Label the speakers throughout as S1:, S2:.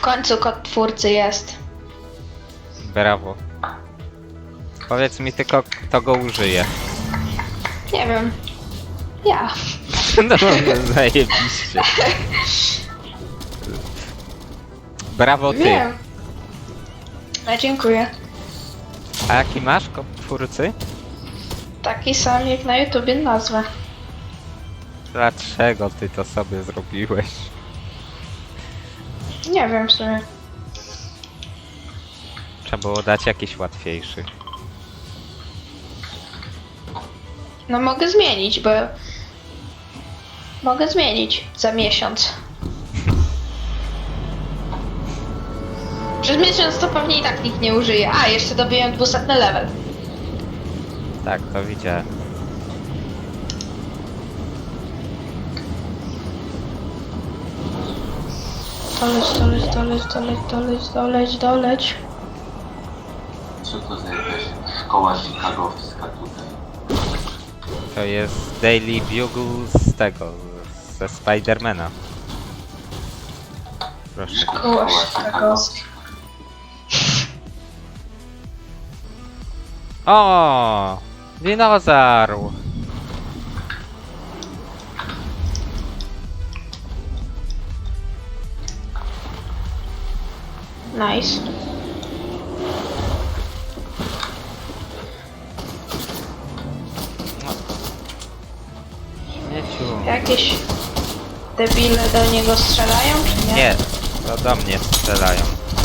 S1: końcu kod twórcy jest.
S2: Brawo. Powiedz mi tylko, kto go użyje.
S1: Nie wiem. Ja.
S2: No, zajebiście. Brawo ty.
S1: Wiem. No, dziękuję.
S2: A jaki masz kod twórcy?
S1: Taki sam jak na YouTubie nazwę.
S2: Dlaczego ty to sobie zrobiłeś?
S1: Nie wiem w sumie.
S2: Trzeba było dać jakiś łatwiejszy.
S1: No mogę zmienić, bo... Mogę zmienić za miesiąc. Przez miesiąc to pewnie i tak nikt nie użyje. A, jeszcze dobiłem 200 level.
S2: Tak, to widziałem.
S1: Doleć.
S3: Co to za jakaś szkoła chicagowska tutaj?
S2: To jest Daily Bugle z tego, ze Spidermana. Proszę.
S1: Szkoła chicagowska.
S2: O! Dinozaur!
S1: Nice.
S2: Śmieciu.
S1: Jakieś debile do niego strzelają, czy nie?
S2: Nie, to do mnie strzelają.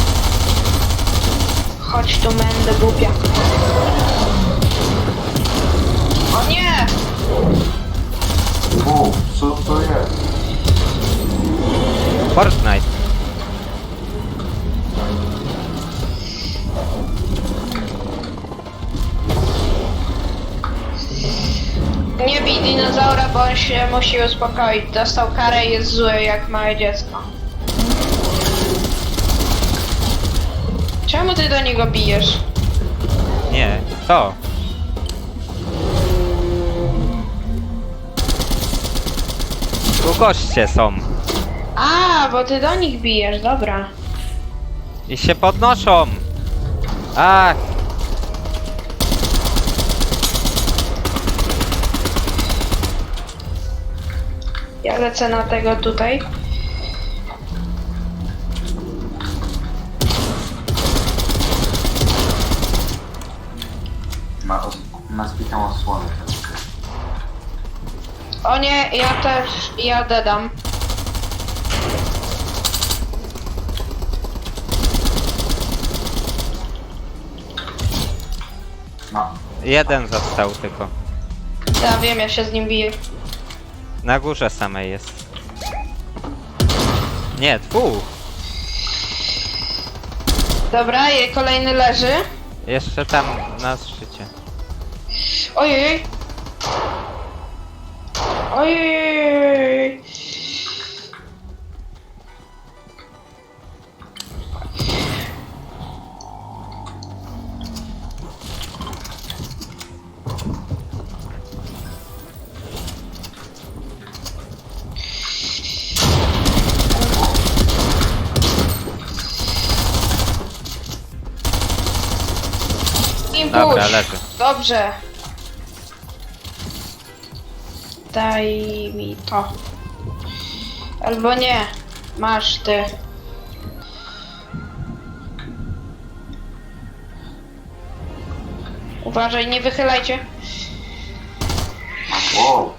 S1: Chodź tu, mędę głupia. O nie!
S3: Co to jest?
S2: Fortnite.
S1: Nie bij dinozaura, bo on się musi uspokoić. Dostał karę i jest zły jak małe dziecko. Czemu ty do niego bijesz?
S2: Nie, to. Tu goście są.
S1: A, bo ty do nich bijesz, dobra.
S2: I się podnoszą. Ach.
S1: Ja lecę na tego tutaj.
S3: Ma zbitą osłonę troszkę.
S1: O nie, ja też, ja dedam.
S3: No,
S2: Jeden został tylko.
S1: Ja wiem, ja się z nim biję.
S2: Na górze samej jest. Nie, dwóch.
S1: Dobra, kolejny leży.
S2: Jeszcze tam na szczycie.
S1: Ojej. Ojej.
S2: Dobra, leży.
S1: Dobrze. Daj mi to. Albo nie. Masz ty. Uważaj, nie wychylajcie.
S3: wow.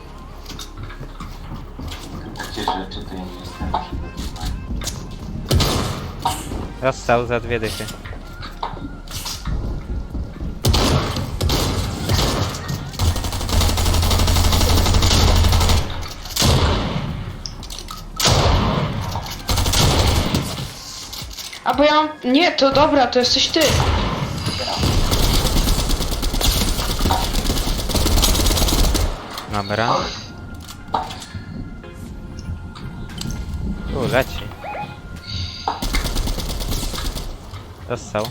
S3: Takie rzeczy to ja nie jestem przygotowany.
S2: Dostał za 2 dychy.
S1: A bo ja mam... Nie, to dobra, to jesteś ty.
S2: Dobra. Tu leci. Dostał.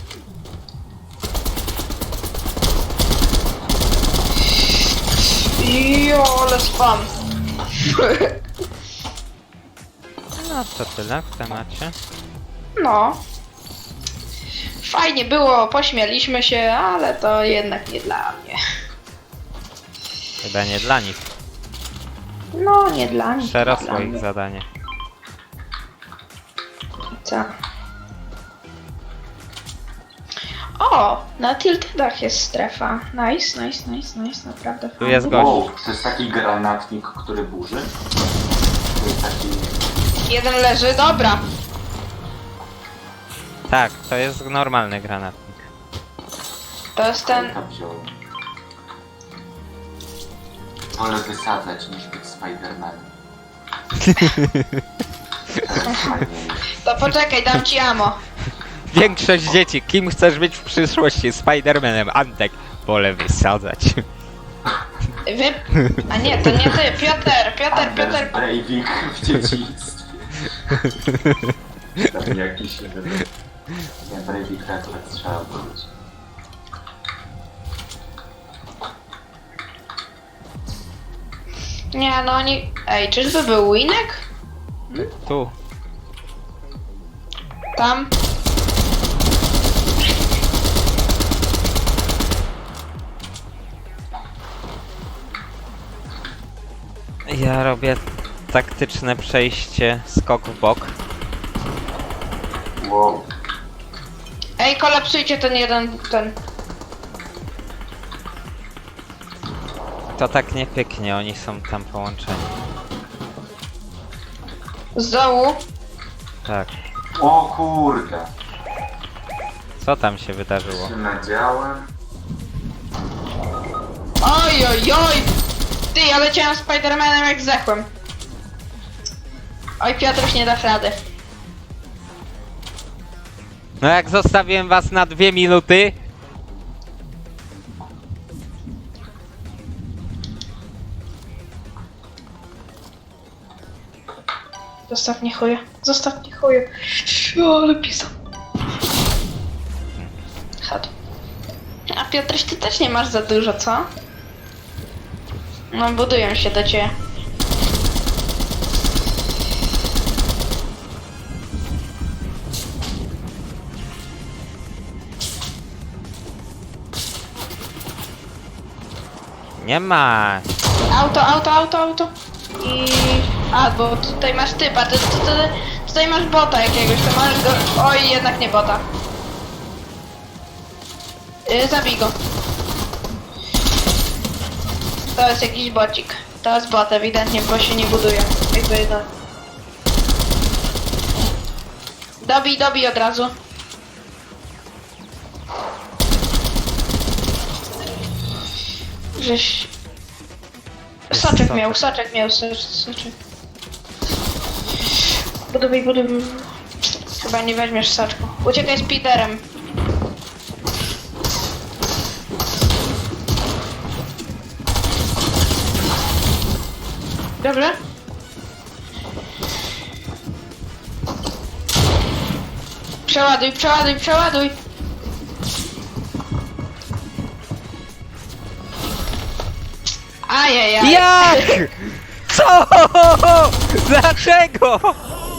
S1: Jo, ale spam.
S2: No to tyle w temacie.
S1: No. Fajnie było, pośmialiśmy się, ale to jednak nie dla mnie.
S2: Chyba nie dla nich.
S1: No, nie dla nich.
S2: Przerosło
S1: dla
S2: ich
S1: mnie.
S2: zadanie.
S1: Co? O! Na tiltedach jest strefa. Nice, naprawdę
S2: Tu
S1: fajnie.
S2: jest gość.
S3: Wow, to jest taki granatnik, który burzy? To jest taki...
S1: Jeden leży, dobra.
S2: Tak, to jest normalny granatnik.
S1: To jest ten...
S3: Ja wziąłem. Wolę wysadzać niż być Spidermanem. Teraz fajnie jest.
S1: To poczekaj, dam ci ammo.
S2: Większość dzieci, kim chcesz być w przyszłości? Spidermanem, Antek. Wolę wysadzać.
S1: Wy... A nie, to nie ty, Piotr.
S3: Anders Breivik w dzieciństwie. Tam jakiś... Nie, Breivik to akurat trzeba wrócić.
S1: Nie, no oni... Ej, czyżby był Winek?
S2: Tu.
S1: Tam.
S2: Ja robię taktyczne przejście, skok w bok.
S3: Wow.
S1: Ej, kolapsujcie ten...
S2: To tak nie pyknie, oni są tam połączeni.
S1: Z dołu.
S2: Tak.
S3: O kurde.
S2: Co tam się wydarzyło?
S3: Się nadziałem.
S1: Oj! Ty, ja leciałem Spidermanem jak zdechłem. Oj, Piotruś, nie dasz rady.
S2: No jak zostawiłem was na 2 minuty...
S1: Zostaw mnie chuje. O, ale pisał. Chodź. A Piotruś, ty też nie masz za dużo, co? No, budują się do ciebie.
S2: Nie ma.
S1: Auto. I... A, bo tutaj masz typa, tutaj masz bota jakiegoś, to masz go... Oj, jednak nie bota. Zabij go. To jest jakiś bocik. To jest bot, ewidentnie, bo się nie buduje. Jakby no... Dobij od razu. Żeś... Soczek miał. Buduj. Chyba nie weźmiesz soczku. Uciekaj z Peterem. Dobrze? Przeładuj. Ajajaj.
S2: Jak? Co? Dlaczego?